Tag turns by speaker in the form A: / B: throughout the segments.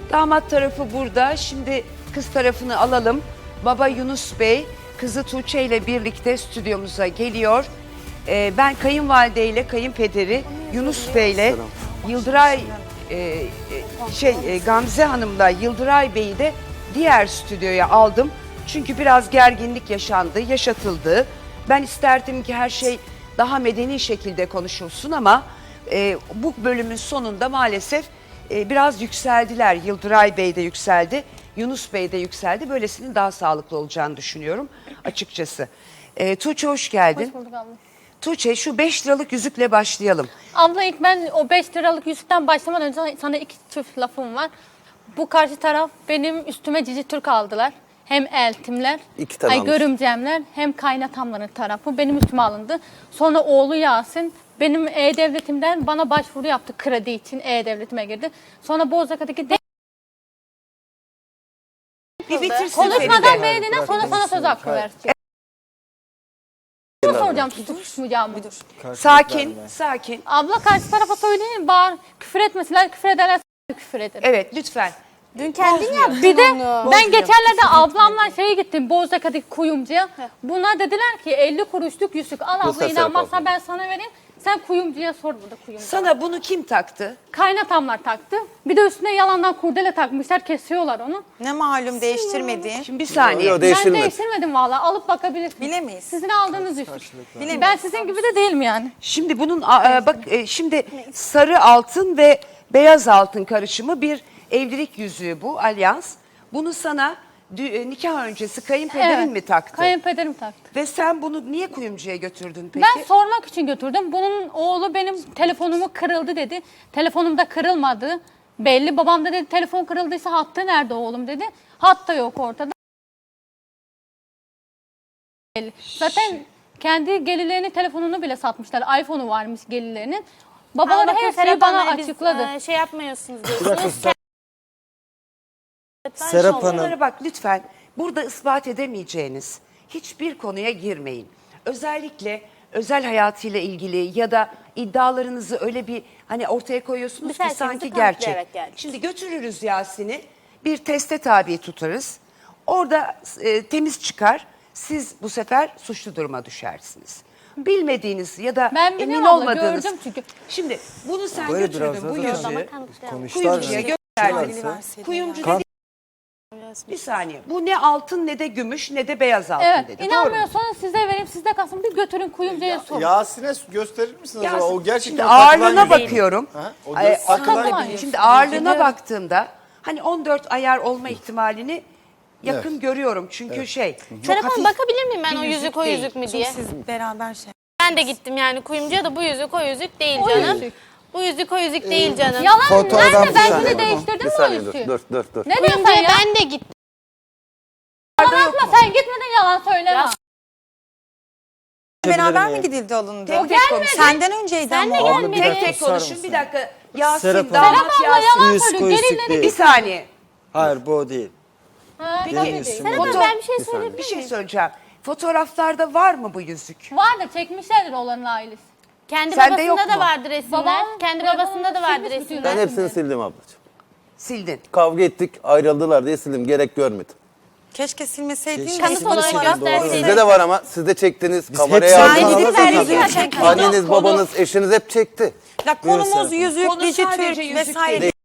A: Damat tarafı burada. Şimdi kız tarafını alalım. Baba Yunus Bey, kızı Tuğçe ile birlikte stüdyomuza geliyor. Ben kayınvalide ile kayınpederi Yunus Bey ile Yıldıray Gamze Hanım'la Yıldıray Bey'i de diğer stüdyoya aldım. Çünkü biraz gerginlik yaşandı, yaşatıldı. Ben isterdim ki her şey daha medeni şekilde konuşulsun ama bu bölümün sonunda maalesef biraz yükseldiler. Yıldıray Bey de yükseldi, Yunus Bey de yükseldi. Böylesinin daha sağlıklı olacağını düşünüyorum açıkçası. Tuğçe hoş geldin.
B: Hoş bulduk abla.
A: Tuğçe şu 5 liralık yüzükle başlayalım.
B: Abla ilk ben o 5 liralık yüzükten başlamadan önce sana iki çift lafım var. Bu karşı taraf benim üstüme Cici Türk aldılar. Hem eltimler, görümcemler hem kaynatamların tarafı benim üstüme alındı. Sonra oğlu Yasin benim E-Devletim'den bana başvuru yaptı kredi için E-Devletime girdi. Sonra Bozcaada'daki
A: Bir bitirsin
B: konuşmadan
A: Feride.
B: beğendiğinden sonra sana söz hakkı vereceğim. Şunu soracağım tutuşmayacağım mı?
A: Sakin, sakin.
B: Abla karşı tarafa söyleyin bağır küfür etmesinler küfür ederler küfür ederim.
A: Evet lütfen.
C: Dün kendin yaptın
B: Bir de
C: onu.
B: ben geçenlerde ablamla şeye gittim Bozcaada'daki kuyumcuya. Bunlar dediler ki 50 kuruşluk yüzük al abla inanmazsan ben sana vereyim. Sen kuyumcuya sor burada kuyumcu.
A: Sana bunu kim taktı?
B: Kaynatamlar taktı. Bir de üstüne yalandan kurdele takmışlar kesiyorlar onu.
C: Ne malum değiştirmediğin.
A: Şimdi bir saniye.
D: Yok,
B: Ben
D: değiştirmedi.
B: değiştirmedim valla alıp bakabilirsiniz.
C: Bilemeyiz.
B: Sizin aldığınız yüzük.
C: Bilemeyiz.
B: Ben sizin gibi de değilim yani.
A: Şimdi bunun şimdi sarı altın ve beyaz altın karışımı bir evlilik yüzüğü bu alyans. Bunu sana nikah öncesi kayınpederin mi taktı?
B: Kayınpederim taktı.
A: Ve sen bunu niye kuyumcuya götürdün peki?
B: Ben sormak için götürdüm. Bunun oğlu benim telefonumu kırıldı dedi. Telefonum da kırılmadı. Belli. Babam da dedi telefon kırıldıysa hattı nerede oğlum dedi. Hat da yok ortada. Belli. Zaten kendi gelirlerinin telefonunu bile satmışlar. iPhone'u varmış gelirlerinin. Babaları her şeyi bana açıkladı.
E: Şey yapmıyorsunuz diyorsunuz.
D: Serap Hanım.
A: Bunlara bak lütfen. Burada ispat edemeyeceğiniz hiçbir konuya girmeyin. Özellikle özel hayatıyla ilgili ya da iddialarınızı öyle bir hani ortaya koyuyorsunuz ki
E: Biz
A: sanki
E: kanıtlı,
A: gerçek.
E: evet, geldik.
A: Şimdi götürürüz Yasin'i bir teste tabi tutarız. Orada temiz çıkar. Siz bu sefer suçlu duruma düşersiniz. Bilmediğiniz ya da
B: Ben
A: emin
B: biliyorum abla,
A: olmadığınız.
B: gördüm çünkü.
A: Şimdi bunu sen
D: Böyle biraz
A: götürdün bu
D: daha
A: yüzüğü
D: konuşlar.
A: kuyumcuya gönderdin. Kuyumcu dedi bir saniye. Bu ne altın ne de gümüş ne de beyaz altın
B: Evet.
A: dedi. Doğru mu?
B: İnanmıyorsanız size vereyim sizde kalsın. Bir götürün kuyumcuya sorun.
F: Yasin'e gösterir misiniz acaba?
A: Yasin,
F: O gerçekten
A: şimdi
F: takılan
A: ağırlığına
F: yüzük.
A: bakıyorum.
F: Ha? O
A: Ay,
F: takılan
B: takılan
F: yüzük.
A: Şimdi ağırlığına baktığımda hani 14 ayar olma ihtimalini yakın
F: Evet.
A: görüyorum. Çünkü çok
E: Serap
A: hafif
E: Hanım bakabilir miyim ben
A: bir
E: o
A: yüzük
E: yüzük o
A: değil.
E: yüzük mü diye?
C: Siz beraber şey.
E: Ben de gittim yani kuyumcuya da bu yüzük o yüzük değil
B: O
E: canım.
B: yüzük.
E: Bu yüzük o yüzük değil canım.
B: Yalan
D: Fotoğraf
B: nerede?
D: bir
B: Ben
D: saniye.
B: şimdi değiştirdim
D: Bir
B: mi o
D: saniye
B: yüzüğü?
D: dur.
B: Ne diyorsun sen
E: Kuyumcuya
B: ya?
E: ben de gittim.
B: Yalan atma sen gitmeden yalan söyleme.
C: Beraber mi gidildi alındı?
A: tek tek konuş.
C: Senden önceydi
E: Sen de
C: ama.
D: Abla,
E: gelmedin.
D: bir
A: Tek
D: dakika
A: tek
D: susar
A: konuşun.
D: mısın?
A: Bir dakika. Yasin,
D: Serap
A: damat
D: Hanım.
B: Abla
A: Yasin.
B: yalan
D: Yüz
B: söylüyor.
D: koyusuk
B: Gelinleri
D: değil.
A: Bir saniye.
D: Hayır bu o değil.
B: Ha,
A: Peki,
B: tabii değil.
E: Serap Hanım ben bir şey söyleyeyim.
A: Bir şey söyleyeceğim. Fotoğraflarda var mı bu yüzük?
B: Vardır çekmişlerdir oğlanın ailesi.
E: Kendi
A: Sende yok
E: babasında da
A: mu?
E: vardı resimler.
B: Babam
E: Kendi
B: telefonunu
E: babasında da vardı
B: silmiş bütün
E: resimler.
D: Ben hepsini sildim ablacığım.
A: Sildin.
D: Kavga ettik ayrıldılar diye sildim. Gerek görmedim.
C: Keşke silmeseydin.
E: Kanıt olarak gösterseydin.
D: Sizde de var ama siz de çektiniz.
C: hep
D: Kameraya
C: sen
D: aldınız.
C: gidip verdik zaten.
D: Anneniz, babanız, eşiniz hep çekti.
C: Ya konumuz yüzük,
A: Konu
C: Cici
A: sadece
C: Türk
A: yüzük
C: vesaire.
A: değil.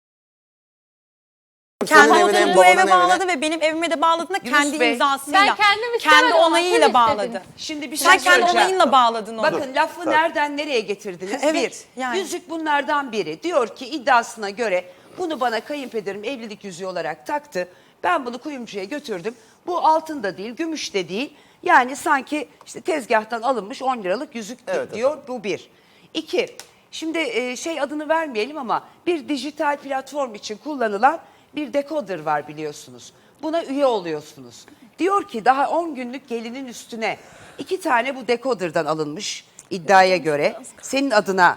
D: Senin
C: Kendi
D: evine,
C: odunu bu
D: babanın
C: eve
D: evine.
C: bağladı ve benim evime de bağladığında
A: Yunus
C: kendi
A: Bey.
C: imzasıyla.
B: Ben kendim istemedim
C: kendi
B: ama
C: onayıyla
B: siz
C: bağladı.
B: istediniz.
A: Şimdi bir şey
C: Sen kendi
A: söyleyeceğim.
C: onayınla bağladın onu.
A: Bakın lafı nereden nereye getirdiniz?
C: Evet,
A: Bir,
C: yani.
A: yüzük bunlardan biri. Diyor ki iddiasına göre bunu bana kayınpederim evlilik yüzüğü olarak taktı. Ben bunu kuyumcuya götürdüm. Bu altın da değil, gümüş de değil. Yani sanki işte tezgahtan alınmış 10 liralık yüzük
D: Evet,
A: diyor. Bu bir. İki, şimdi adını vermeyelim ama bir dijital platform için kullanılan bir dekoder var biliyorsunuz. Buna üye oluyorsunuz. Diyor ki daha 10 günlük gelinin üstüne 2 tane bu dekoderdan alınmış iddiaya göre. Senin adına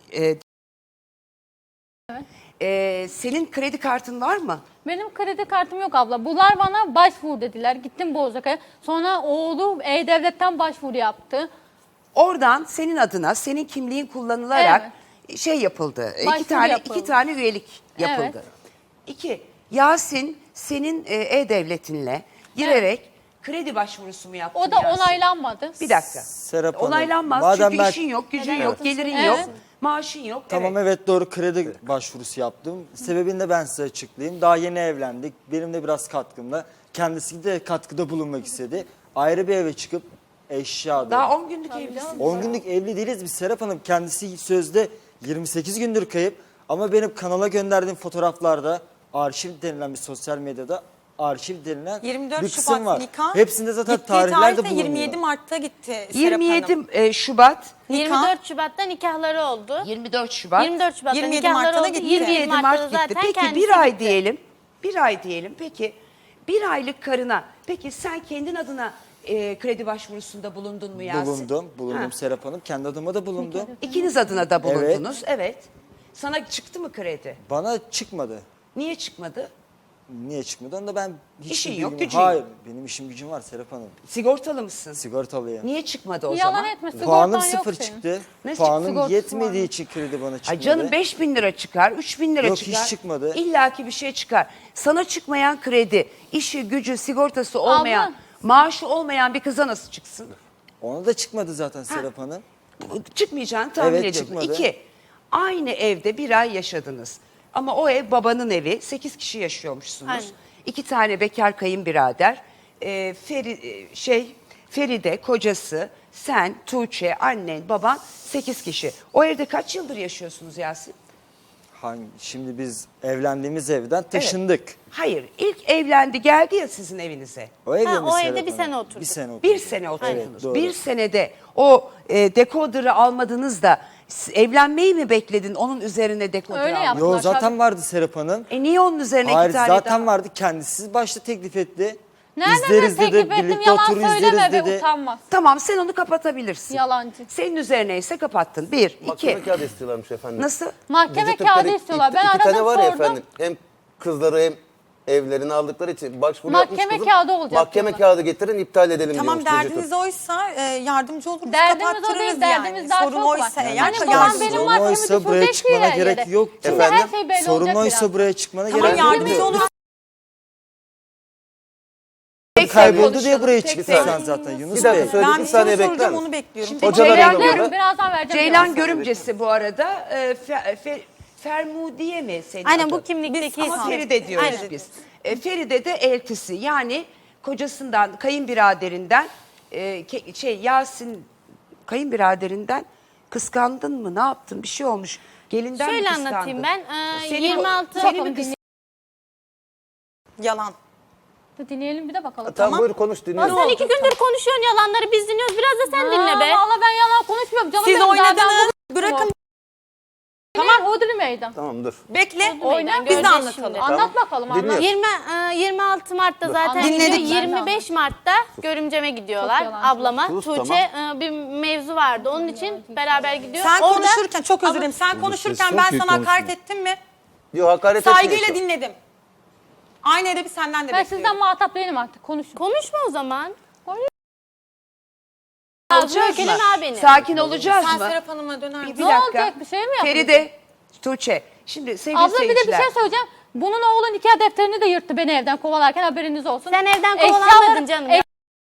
A: senin kredi kartın var mı?
B: Benim kredi kartım yok abla. Bunlar bana başvur dediler. Gittim Bozcaada'ya. Sonra oğlu E-Devlet'ten başvuru yaptı.
A: Oradan senin adına senin kimliğin kullanılarak şey yapıldı.
B: Başvuru yapıldı.
A: İki tane üyelik yapıldı.
B: Evet.
A: 2. Yasin senin e-devletinle girerek kredi başvurusu mu yaptın
B: O da
A: Yasin?
B: onaylanmadı.
A: Bir dakika.
G: Serap Hanım,
A: Onaylanmaz
G: madem
A: çünkü
G: ben-
A: işin yok, gücün
B: Evet.
A: yok, gelirin
B: Evet.
A: yok, maaşın yok.
G: Tamam evet doğru kredi başvurusu yaptım. Sebebini de ben size açıklayayım. Daha yeni evlendik. Benim de biraz katkımla. Kendisi de katkıda bulunmak istedi. Ayrı bir eve çıkıp eşya
A: Daha 10 günlük evlisin.
G: 10 günlük evli değiliz biz Serap Hanım. Kendisi sözde 28 gündür kayıp. Ama benim kanala gönderdiğim fotoğraflarda arşiv denilen bir sosyal medyada arşiv denilen
C: 24
G: bir kısım
C: Şubat
G: var.
C: nikah.
G: Hepsinde zaten
C: Gittiği
G: tarihler de
C: tarih de
G: bulunuyor.
C: 27 Mart'ta gitti Serap
A: 27
C: Hanım.
A: Şubat,
E: 24 Şubat'ta nikahları oldu.
A: 24 Şubat,
E: 24 Şubat'ta
C: 27
E: nikahları
C: Mart'ta da
E: oldu.
C: gitti.
A: 27
E: Mart'ta
A: Mart
E: da
A: gitti.
E: zaten
A: Peki
E: kendisi
A: bir ay
E: gitti.
A: diyelim. Bir ay diyelim. Peki bir aylık karına. Peki sen kendin adına kredi başvurusunda bulundun mu Yasin?
G: Bulundum
A: Ha.
G: Serap Hanım. Kendi adıma da bulundum.
A: İkiniz adına da bulundunuz. Evet. Sana çıktı mı kredi?
G: Bana çıkmadı.
A: Niye çıkmadı?
G: Niye çıkmadı? Onu da ben hiç
A: İşin
G: bilgim
A: yok,
G: yok.
A: gücün
G: Hayır,
A: yok.
G: benim işim gücüm var Serap Hanım.
A: Sigortalı mısın?
G: Sigortalıyım.
A: Niye çıkmadı o
B: Yalan
A: zaman?
B: etme, sigortan
G: Puanım
B: yok
G: sıfır
B: senin.
G: çıktı.
A: Ne
G: Puanım
B: sigortası
G: yetmediği
B: var?
G: için kredi bana çıkmadı.
A: Ay canım 5.000 lira çıkar, 3.000 lira
G: Yok,
A: çıkar.
G: hiç çıkmadı.
A: İlla ki bir şey çıkar. Sana çıkmayan kredi, işi, gücü, sigortası olmayan,
B: Abla.
A: maaşı olmayan bir kıza nasıl çıksın?
G: Ona da çıkmadı zaten Serap Hanım.
A: Çıkmayacağını tahmin
G: Evet,
A: ediyorum.
G: çıkmadı.
A: 2. Aynı evde bir ay yaşadınız. Ama o ev babanın evi. 8 kişi yaşıyormuşsunuz.
E: Aynen.
A: 2 tane bekar kayınbirader. Feride, kocası, sen, Tuğçe, annen, baban 8 kişi. O evde kaç yıldır yaşıyorsunuz Yasin?
G: Şimdi biz evlendiğimiz evden taşındık.
A: Hayır, ilk evlendi geldi ya sizin evinize.
G: O evde
E: Ha,
G: mi
E: o
G: Serap
E: evde bir
G: Hanım?
E: sene oturduk.
G: Bir sene oturduk.
A: Bir sene oturdunuz.
G: Evet, doğru.
A: Bir senede o dekoder'ı almadınız da evlenmeyi mi bekledin onun üzerine dekoder
B: Öyle
A: almak?
B: yaptın.
G: Yo
B: Aşağıda-
G: zaten vardı Serap Hanım.
A: Niye onun üzerine
G: Hayır
A: iki tane
G: zaten
A: daha?
G: vardı. Kendisi başta teklif etti.
B: Nereden
G: İzleriz
B: ben
G: dedi,
B: teklif ettim,
G: birlikte
B: yalan
G: oturur
B: söyleme
G: izleriz
B: be
G: dedi.
B: utanmaz.
A: Tamam sen onu kapatabilirsin.
B: Yalancı.
A: Senin üzerine ise kapattın. 1, 2.
D: Mahkeme kağıdı istiyorlarmış efendim.
A: Nasıl?
B: Mahkeme
D: Dizi
B: kağıdı
D: Türkleri
B: istiyorlar. Ben
D: iki tane
B: aradım
D: var ya
B: sordum.
D: efendim. Hem kızları hem evlerini aldıkları için başvuru
B: Mahkeme
D: yapmış kızım.
B: kağıdı olacak
D: Mahkeme
B: diyorlar.
D: kağıdı getirin iptal edelim
C: Tamam
D: diyormuş Dizi Türk.
C: derdiniz oysa yardımcı oluruz,
B: Derdimiz o
C: kapattırırız
B: değil,
C: yani.
B: derdimiz daha
C: Sorun
B: çok var.
C: oysa eğer
B: Yani babam
C: yardımcı
B: benim
C: oluruz.
B: mahkeme
G: oysa buraya
B: düşürecek
G: çıkmana
B: yere.
G: gerek yok.
B: Şimdi
D: Efendim?
B: her şey belli
G: Sorun
B: olacak
G: oysa
B: biraz.
G: buraya çıkmana
C: Tamam
G: gerek yok.
C: yardımcı oluruz.
G: Kayboldu
A: konuşalım,
G: diye buraya
A: tek
G: çıktın
A: tek.
G: sen zaten Yunus
D: Bir dakika
G: Bey.
D: söyle
C: Ben
D: bir
C: bir
D: saniye
C: soru
D: bekler
C: soracağım
D: misin?
C: onu bekliyorum.
A: Şimdi
D: Hocalar
A: Ceylan,
D: arıyor da.
B: Birazdan vereceğim.
A: Ceylan
B: biraz.
A: görümcesi bu arada. Fermudiye mi senin
E: Aynen
A: adın?
E: bu kimlikteki
A: Ama
E: isim.
A: Feride diyoruz
E: Aynen.
A: biz. Feride de eltisi yani kocasından, kayınbiraderinden Yasin kayınbiraderinden kıskandın mı? Ne yaptın? Bir şey olmuş. Gelinden mi
E: Şöyle
A: kıskandın?
E: anlatayım ben.
A: Seni-
E: 26
A: seni mi
B: Bakalım,
A: kıskandın?
C: Yalan.
B: Dinleyelim bir de bakalım.
D: Tamam buyur konuş dinliyorum.
E: Sen 2 gündür konuşuyorsun yalanları biz dinliyoruz. Biraz da sen dinle be.
B: Valla ben yalan konuşmuyorum. Canım
C: Siz
B: benim, daha ben
C: oynadınız.
B: bu-
C: Bırakın
B: Tamam Hodri meydan.
D: Tamam dur.
C: bekle.
B: Oyna,
C: Biz de
E: göreceğiz
C: anlatalım.
E: şimdi.
B: Anlat bakalım anlat.
D: Dinliyorum.
E: 26 Mart'ta zaten
C: Dinledik.
E: gidiyor. 25 Mart'ta görümceme gidiyorlar.
B: Çok yalancı.
E: Ablama.
D: Sus,
E: Tuğçe bir mevzu vardı. Onun için beraber gidiyor.
C: Sen
E: Orada
C: konuşurken çok özür dilerim. Sen konuşurken ben sana hakaret ettim mi?
D: Yok hakaret
C: Saygıyla
D: etmiyorsun.
C: dinledim. Aynı edebi senden de
B: Ben
C: bekliyorum.
B: sizden muhatap değilim artık. Konuşun.
E: konuşma o zaman.
A: Olacağız
E: Ökeleme
A: mı?
E: beni.
A: Sakin olacağız
C: Sen
A: mı?
C: Serap Hanım'a döner misin?
A: Bir
B: Ne
A: dakika.
B: olacak, bir şey mi yapacağız?
A: Feride, Tuğçe. Şimdi sevgili
B: Abla bir de bir
A: seyirciler.
B: şey söyleyeceğim. Bunun oğlu nikah defterini de yırttı beni evden kovalarken haberiniz olsun.
E: Sen evden
B: Eşyaları-
E: kovalanmadın canım. ya.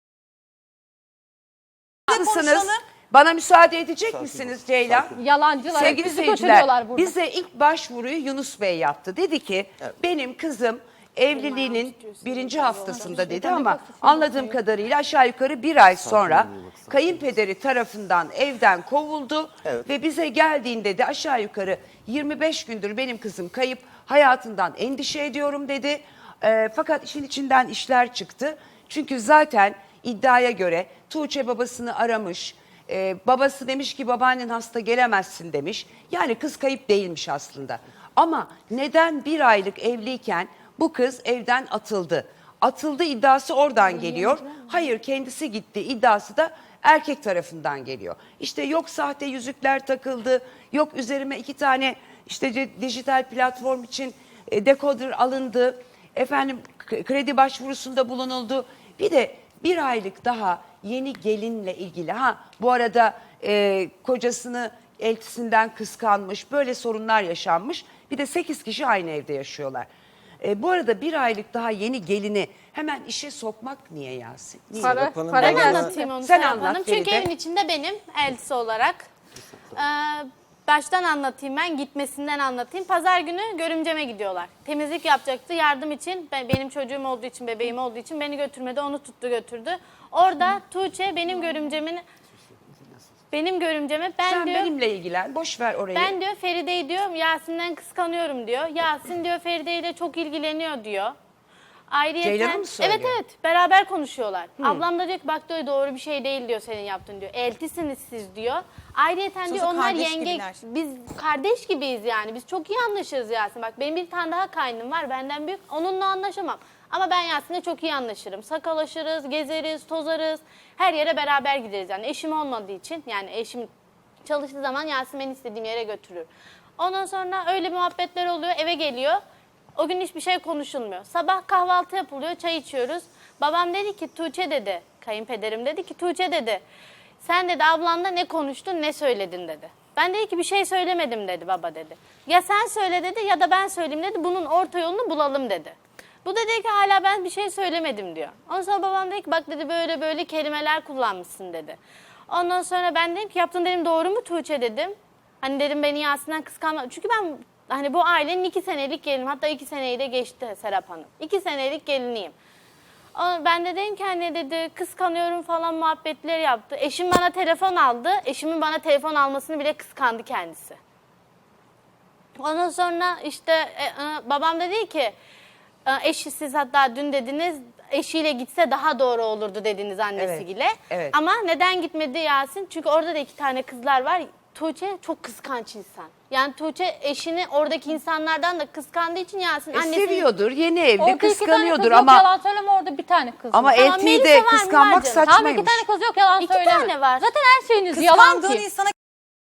A: Haklısınız.
C: konuşalım.
A: Bana müsaade edecek misiniz Ceylan?
B: Yalancılar.
A: Sevgili
B: bizi
A: seyirciler,
B: götürüyorlar burada.
A: bize ilk başvuruyu Yunus Bey yaptı. Dedi ki benim kızım evliliğinin 1. haftasında dedi ama anladığım kadarıyla aşağı yukarı 1 ay sonra kayınpederi tarafından evden kovuldu ve bize geldiğinde de aşağı yukarı 25 gündür benim kızım kayıp, hayatından endişe ediyorum dedi. Fakat işin içinden işler çıktı. Çünkü zaten iddiaya göre Tuğçe babasını aramış. Babası demiş ki babaannen hasta gelemezsin demiş. Yani kız kayıp değilmiş aslında. Ama neden 1 aylık evliyken bu kız evden atıldı? Atıldı iddiası oradan geliyor. Hayır kendisi gitti iddiası da erkek tarafından geliyor. İşte yok sahte yüzükler takıldı, yok üzerime 2 tane işte dijital platform için dekoder alındı. Efendim kredi başvurusunda bulunuldu. Bir de 1 aylık daha yeni gelinle ilgili. Bu arada kocasını eltisinden kıskanmış, böyle sorunlar yaşanmış. Bir de 8 kişi aynı evde yaşıyorlar. Bu arada bir aylık daha yeni gelini hemen işe sokmak niye Yasin? Niye?
B: Para,
G: Serap Hanım,
B: para
E: Ben
G: bana-
B: gelsin.
E: anlatayım onu
A: Sen
E: Serap
A: anlat
E: Hanım. Çünkü
A: Feride.
E: evin içinde benim eltisi olarak. Baştan anlatayım ben, gitmesinden anlatayım. Pazar günü görümceme gidiyorlar. Temizlik yapacaktı yardım için. Benim çocuğum olduğu için, bebeğim olduğu için beni götürmedi. Onu tuttu götürdü. Orada Tuğçe benim görümceme ben
A: Sen
E: diyor...
A: benimle ilgilen. Boş ver orayı.
E: Ben diyor Feride'yi diyor Yasin'den kıskanıyorum diyor. Yasin diyor Feride ile çok ilgileniyor diyor.
A: Ceylan'a mı söylüyor?
E: Evet evet, beraber konuşuyorlar. Ablam da diyor ki bak diyor doğru bir şey değil diyor senin yaptığın diyor. Eltisiniz siz diyor. Ayrıyeten diyor onlar
C: kardeş
E: yenge,
C: gibiler.
E: biz kardeş gibiyiz yani. Biz çok iyi anlaşırız Yasin. Bak benim bir tane daha kaynım var benden büyük. Onunla anlaşamam. Ama ben Yasin'le çok iyi anlaşırım. Sakalaşırız, gezeriz, tozarız. Her yere beraber gideriz yani. Eşim olmadığı için yani eşim çalıştığı zaman Yasin beni istediğim yere götürür. Ondan sonra öyle muhabbetler oluyor, eve geliyor. O gün hiçbir şey konuşulmuyor. Sabah kahvaltı yapılıyor, çay içiyoruz. Babam dedi ki Tuğçe dedi, kayınpederim dedi ki Tuğçe dedi. Sen dedi ablanla ne konuştun, ne söyledin dedi. Ben dedi ki bir şey söylemedim dedi baba dedi. Ya sen söyle dedi ya da ben söyleyeyim dedi. Bunun orta yolunu bulalım dedi. Bu da dedi ki hala ben bir şey söylemedim diyor. Ondan sonra babam dedi ki bak dedi böyle böyle kelimeler kullanmışsın dedi. Ondan sonra ben dedim ki yaptın dedim doğru mu Tuğçe dedim. Hani dedim beni Yasin'den kıskanma. Çünkü ben hani bu ailenin 2 senelik gelinim. Hatta 2 seneyi de geçti Serap Hanım. 2 senelik geliniyim. Ben de dedim ki hani dedi kıskanıyorum falan muhabbetleri yaptı. Eşim bana telefon aldı. Eşimin bana telefon almasını bile kıskandı kendisi. Ondan sonra işte babam da dedi ki eşi siz hatta dün dediniz eşiyle gitse daha doğru olurdu dediniz annesiyle.
A: evet.
E: Ama neden gitmedi Yasin? Çünkü orada da 2 tane kızlar var. Tuğçe çok kıskanç insan. Yani Tuğçe eşini oradaki insanlardan da kıskandığı için Yasin annesini...
A: Seviyordur, yeni evli,
B: Orada 2 tane
A: kıskanıyordur
B: kız
A: ama
B: yok yalan söyleme orada bir tane kız
A: ama
B: var.
E: Tamam,
A: eltiyi
E: Melisa
A: de
E: var mı?
A: kıskanmak
E: Var canım.
B: Tamam 2
A: saçmaymış.
B: tane kız yok yalan
E: 2
B: söyleme.
E: tane var.
B: Zaten her şeyiniz yalan
C: Kıskandığın
B: ki.
C: insana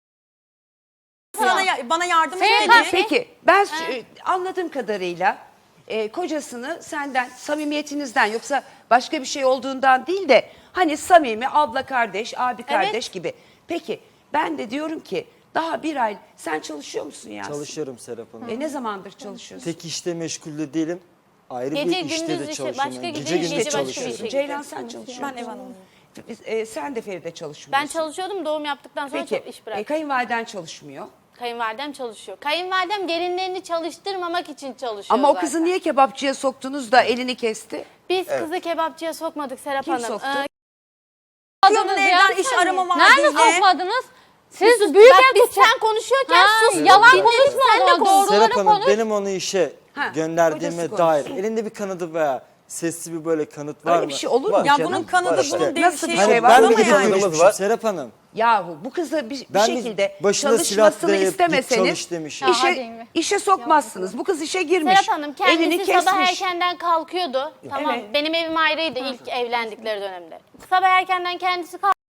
C: bana yardım
B: Senin
C: et
B: karşı-
C: dedi.
A: Peki ben anladığım kadarıyla kocasını senden samimiyetinizden yoksa başka bir şey olduğundan değil de hani samimi abla kardeş, abi kardeş gibi. Peki ben de diyorum ki daha bir ay sen çalışıyor musun Yasin?
G: Çalışıyorum Serap Hanım.
A: Ne zamandır çalışıyorsun?
G: Tek işte meşgul de değilim. Ayrı
E: Gece,
G: bir işte
E: gündüz
G: de
E: işi,
G: çalışıyorum.
E: başka
G: Yani
E: gece,
G: gece gündüz
E: gece başka bir
G: çalışıyorum.
E: şey.
A: Ceylan sen çalışıyor
C: Ben ev
A: musun?
C: hanımıyım.
A: Sen de Feride çalışmıyorsun.
E: Ben çalışıyordum doğum yaptıktan sonra
A: Peki
E: çok iş bıraktım.
A: kayınvaliden çalışmıyor.
E: Kayınvalidem çalışıyor. Kayınvalidem gelinlerini çalıştırmamak için çalışıyor
A: Ama o
E: zaten.
A: kızı niye kebapçıya soktunuz da elini kesti?
E: Biz kızı kebapçıya sokmadık Serap
A: Kim
E: Hanım.
A: soktu?
C: Çıkıyorum evden iş arama var
B: Nerede
C: diye.
B: sokmadınız? Siz büyük
E: Bak
B: ev
E: biz sen konuşuyorken sus.
B: yalan
E: Dinledik,
B: konuşma
E: sen de
B: o zaman,
E: konuş.
B: doğruları
G: Serap Hanım
B: konuş.
G: benim onu işe
A: Ha,
G: gönderdiğime
A: kocası
G: dair
A: konuşsun.
G: elinde bir kanıtı veya sesli bir böyle kanıt var
A: Öyle
G: mı?
A: bir şey olur mu
G: Var.
C: Ya
A: canım?
C: bunun kanadı
D: Var
C: bunun
D: işte.
C: değil
A: Nasıl bir
C: şey
A: şey
C: var
A: var?
G: Ben
C: ama
G: de
C: yani.
G: görmüştüm Serap Hanım.
A: Yahu bu kızı bir
G: Ben
A: şekilde
G: başına silah
A: çalışmasını
G: dayayıp git
A: istemeseniz
G: çalış demişim.
B: Ya hadi
A: işe,
B: mi?
A: işe sokmazsınız. Bu kız işe girmiş.
E: Serap Hanım
A: elini
E: kendisi
A: kesmiş.
E: sabah erkenden kalkıyordu. Tamam
A: Evet.
E: benim evim ayrıydı ilk evlendikleri dönemde. Sabah erkenden kendisi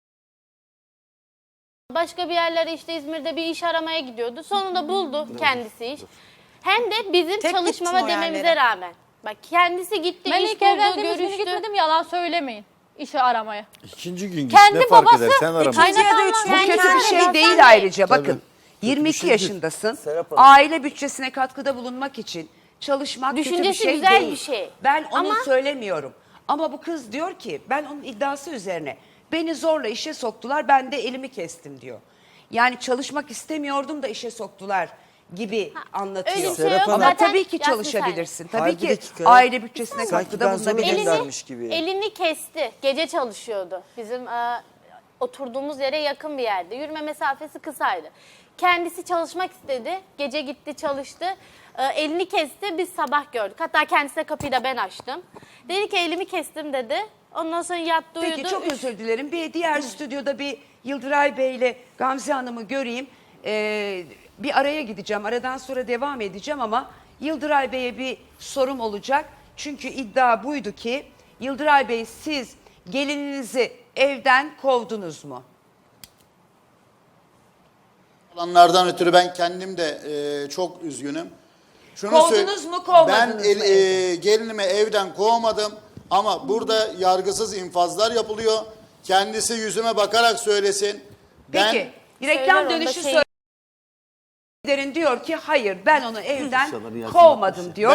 E: başka bir yerlere işte İzmir'de bir iş aramaya gidiyordu. Sonunda buldu kendisi iş. Hem de bizim
C: Tek
E: çalışmama
C: gittin o
E: dememize
C: yerlere.
E: rağmen. Bak kendisi gitti,
B: Ben
E: iş
B: ilk
E: buldu,
B: evlendiğimiz günü
E: görüştü.
B: gitmedim yalan söylemeyin. İşi aramaya.
F: İkinci gün git
B: Kendi
F: ne fark
B: babası-
F: eder sen arama.
C: İkinci ya da
E: Kaynatamam.
C: üçüncü.
A: Bu
E: Ben
A: kötü bir
E: kendim
A: şey
E: yapsam
A: değil
E: da-
A: ayrıca. Bakın
F: Tabii.
A: 22
F: şey değil.
A: yaşındasın.
D: Serap Hanım.
A: Aile bütçesine katkıda bulunmak için çalışmak kötü bir
E: Düşüncesi
A: şey
E: güzel
A: değil.
E: bir şey.
A: Ben onu
E: Ama-
A: söylemiyorum. Ama bu kız diyor ki ben onun iddiası üzerine beni zorla işe soktular ben de elimi kestim diyor. Yani çalışmak istemiyordum da işe soktular gibi anlatıyor.
E: öyle bir
G: şey yok.
A: Ama
E: Zaten
A: tabii ki
E: Yasin
A: çalışabilirsin. Tabii
G: Hayır, bir
A: ki
G: dakika.
A: aile bütçesine
G: Sanki
A: katkıda
G: ben zorla
A: bulunabilirsin.
G: göndermiş gibi.
E: Elini kesti. Gece çalışıyordu. Bizim oturduğumuz yere yakın bir yerde. Yürüme mesafesi kısaydı. Kendisi çalışmak istedi. Gece gitti çalıştı. Elini kesti. Biz sabah gördük. Hatta kendisine kapıyı da ben açtım. Dedi ki elimi kestim dedi. Ondan sonra yattı uyudu.
A: Peki çok özür dilerim. Bir diğer stüdyoda bir Yıldıray Bey ile Gamze Hanım'ı göreyim. Bir araya gideceğim. Aradan sonra devam edeceğim ama Yıldıray Bey'e bir sorum olacak. Çünkü iddia buydu ki Yıldıray Bey siz gelininizi evden kovdunuz mu?
H: Olanlardan ötürü ben kendim de çok üzgünüm. Şunu
A: Kovdunuz mu, kovmadınız
H: ben
A: mı evden?
H: gelinimi evden kovmadım ama burada yargısız infazlar yapılıyor. Kendisi yüzüme bakarak söylesin.
A: Peki
E: Söyler
A: reklam
E: onu da
A: dönüşü
E: şey-
A: diyor ki hayır ben onu evden kovmadım diyor.